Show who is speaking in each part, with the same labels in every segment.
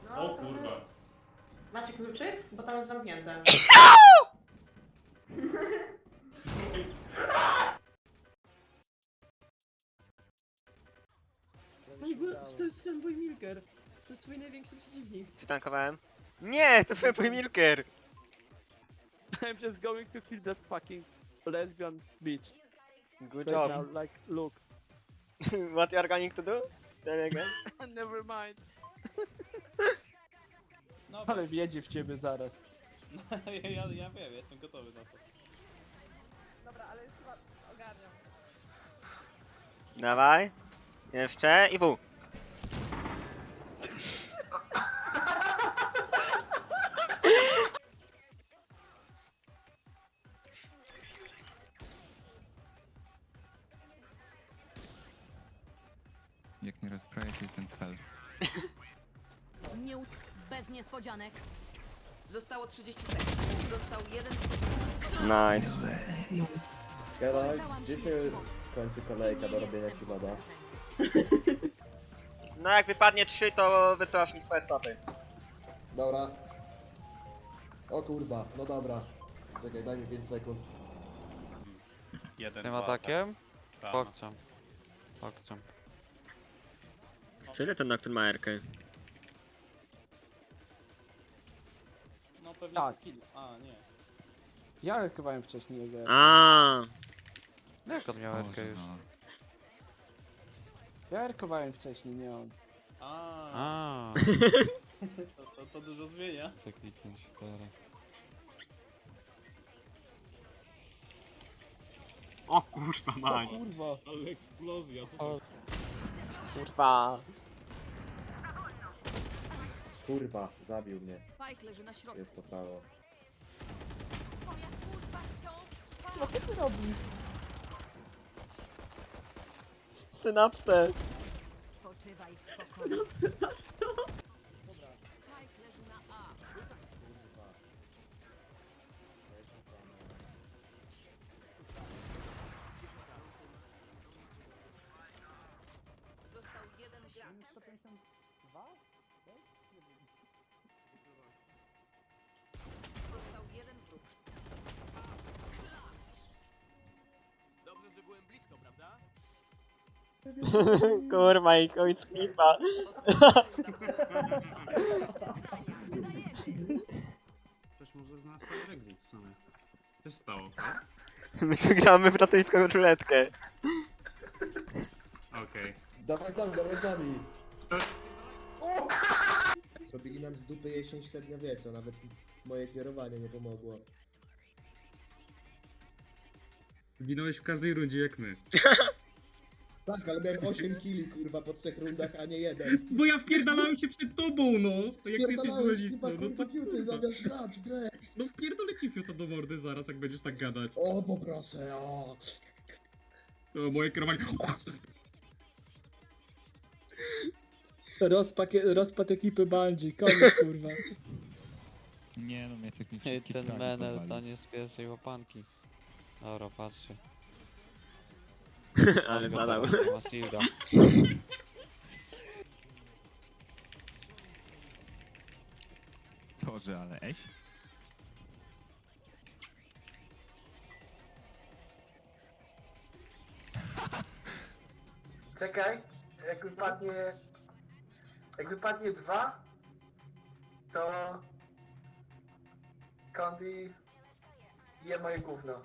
Speaker 1: O kurwa.
Speaker 2: Macie kluczyk? Bo tam jest zamknięte.
Speaker 3: To jest fanboy Milker. To jest twój największy przeciwnik.
Speaker 4: Przytankowałem. Nie, to fanboy Milker!
Speaker 5: I'm just going to kill that fucking lesbian bitch.
Speaker 4: Good
Speaker 5: Right
Speaker 4: job.
Speaker 5: now, like, look.
Speaker 4: What you are going to do? Tell me again.
Speaker 5: Never mind.
Speaker 1: No,
Speaker 5: Ale wjedzie w ciebie zaraz.
Speaker 1: ja wiem, jestem gotowy na to.
Speaker 3: Dobra, ale już chyba ogarniam.
Speaker 4: Dawaj. Jeszcze i w.
Speaker 6: Jak nie rozprawię, to jest ten cel.
Speaker 7: Bez niespodzianek. Zostało 30 sekund. Został jeden.
Speaker 4: Nice.
Speaker 8: Skala, gdzie się kończy kolejka do robienia ci moda?
Speaker 4: No jak wypadnie 3, to wysyłasz mi swoje stopy.
Speaker 8: Dobra. O kurwa, no dobra. Czekaj, daj mi 5 sekund.
Speaker 1: Jeden,
Speaker 5: Tym
Speaker 1: dwa,
Speaker 5: atakiem?
Speaker 1: tak.
Speaker 5: Pokcam. Pokcam.
Speaker 4: Tyle ten Nocturne ma Erkę.
Speaker 1: No pewnie
Speaker 5: Tak.
Speaker 1: to kill. A, nie.
Speaker 5: Ja rykowałem wcześniej jego.
Speaker 4: A.
Speaker 5: No jak on miał Erkę
Speaker 6: Boże,
Speaker 5: już?
Speaker 6: no.
Speaker 5: Ja rykowałem wcześniej, nie on.
Speaker 1: A, to dużo zmienia.
Speaker 6: Chcę kliknąć teraz.
Speaker 4: O kurwa mać.
Speaker 5: Kurwa.
Speaker 1: Ale eksplozja, co
Speaker 5: O,
Speaker 4: Kurwa.
Speaker 8: Kurwa, zabił mnie.
Speaker 7: Spike leży na środku.
Speaker 8: Jest to prawo.
Speaker 7: Twoja służba wciąż.
Speaker 5: co ty robisz?
Speaker 4: Synapsę.
Speaker 7: Spoczywaj w pokoju. Spike leży na A. Został jeden gracz.
Speaker 5: 152?
Speaker 7: Został jeden wróg.
Speaker 9: Dobrze, że byłem blisko, prawda?
Speaker 4: Kurwa i końc klipa.
Speaker 1: Ktoś może znać ten exit w sumie. Co się stało, tak?
Speaker 4: My tu gramy w rosyjską ruletkę.
Speaker 1: Okej.
Speaker 8: Dawaj z nami, dawaj z nami! Zrobili nam z dupy jesień średniowiecia, nawet moje kierowanie nie pomogło.
Speaker 1: Ginąłeś w każdej rundzie jak my.
Speaker 8: Tak, ale miałem 8 killi kurwa po 3 rundach, a nie jeden.
Speaker 1: Bo ja wpierdalałem się przed tobą, no! Jak ty jesteś
Speaker 8: Pierdalałeś,
Speaker 1: duelistą,
Speaker 8: kurwa,
Speaker 1: no
Speaker 8: kurwa,
Speaker 1: to
Speaker 8: fiuty
Speaker 1: kurwa.
Speaker 8: zamiast grać w grę.
Speaker 1: No wpierdolę ci fiuta do mordy zaraz, jak będziesz tak gadać.
Speaker 8: O, poproszę, o.
Speaker 1: O, moje kierowanie...
Speaker 5: Rozpad ekipy Bungie, koniec kurwa.
Speaker 6: Nie no, mnie tak nie
Speaker 5: Ej,
Speaker 6: wszystkie
Speaker 5: ten
Speaker 6: fragi
Speaker 5: menel to
Speaker 6: porwali.
Speaker 5: nie z pierwszej łapanki. Dobra, patrzcie.
Speaker 4: Ale zadał.
Speaker 5: Masilda.
Speaker 6: Sorry, ale eś?
Speaker 10: Czekaj, jak wypadnie 2, to Condi je moje gówno.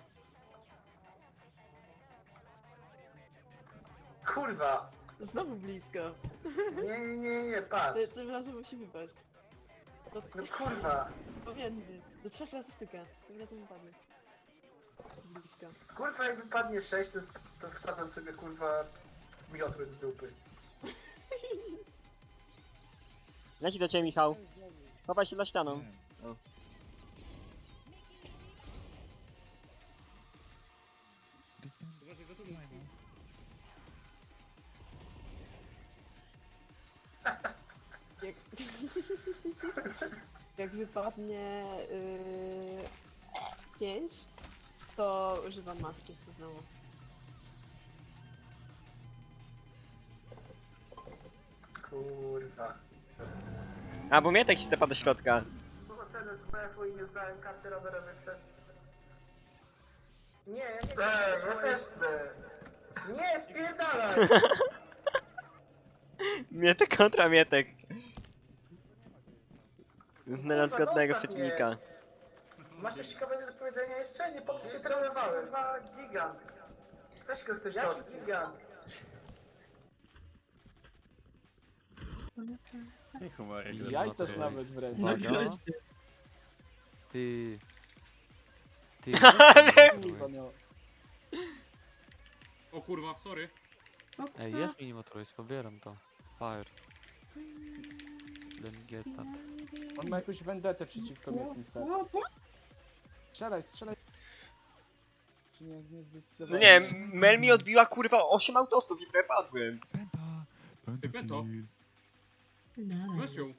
Speaker 10: Kurwa!
Speaker 3: Znowu blisko.
Speaker 10: Nie, patrz.
Speaker 3: Tym razem musi wypaść.
Speaker 10: No kurwa.
Speaker 3: Pomiędzy. Do 3 razy styka. Tym razem wypadnie. Blisko.
Speaker 10: Kurwa, jak wypadnie 6, to wsadzam sobie kurwa miotły do dupy.
Speaker 4: Leci do ciebie, Michał. Chowaj się za ścianą. O.
Speaker 3: Jak... Jak wypadnie 5, to używam maski znowu.
Speaker 10: Kurwa.
Speaker 4: A, bo Mietek się tepa do środka.
Speaker 10: No bo wtedy z BF-u i nie zdałem karty rowerowej przez... Nie, ja nie chcę. Ja też chcę. Nie, spierdalaj!
Speaker 4: Mietek kontra Mietek. Znalazł
Speaker 10: Kurwa,
Speaker 4: godnego
Speaker 10: zostaw
Speaker 4: przeciwnika.
Speaker 10: Masz coś ciekawego do powiedzenia jeszcze? Nie, po co się trenowałem? Gigant. Weź go ktoś jaki gigant?
Speaker 5: Ja też nawet wręcz.
Speaker 11: Ty. Ty.
Speaker 4: Ale-
Speaker 5: Kurwa, no.
Speaker 1: O kurwa, sorry.
Speaker 11: Ej, jest minimotoryz, pobieram to. Fire. Let's get that.
Speaker 5: On ma jakąś vendetę przeciwko Mietnice. Strzelaj, strzelaj. Czy nie
Speaker 4: No
Speaker 5: zdecydowałem?
Speaker 4: nie, Mel mi odbiła kurwa 8 autosów i prawie padłem.
Speaker 6: Penta!
Speaker 1: Ty, Pento.
Speaker 6: kill.
Speaker 1: Weź ją.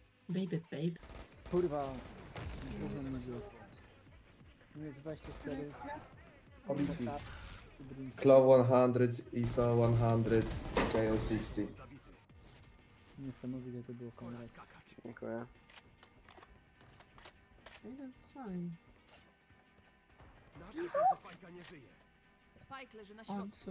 Speaker 5: Kurwa. Gówno mi było. Tu jest 24.
Speaker 8: Obici.
Speaker 5: Brimstone.
Speaker 8: Claw 100, ISO 100, KO 60.
Speaker 5: Niesamowite to było, Konrad.
Speaker 4: Dziękuję.
Speaker 7: Spike leży na środku.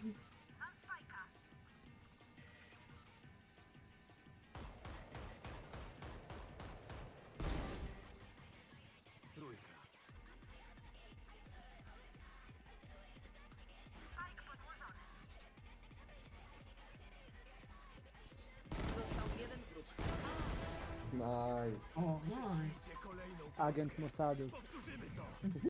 Speaker 7: Został jeden wróg.
Speaker 8: Nice.
Speaker 5: Agent Mossadu.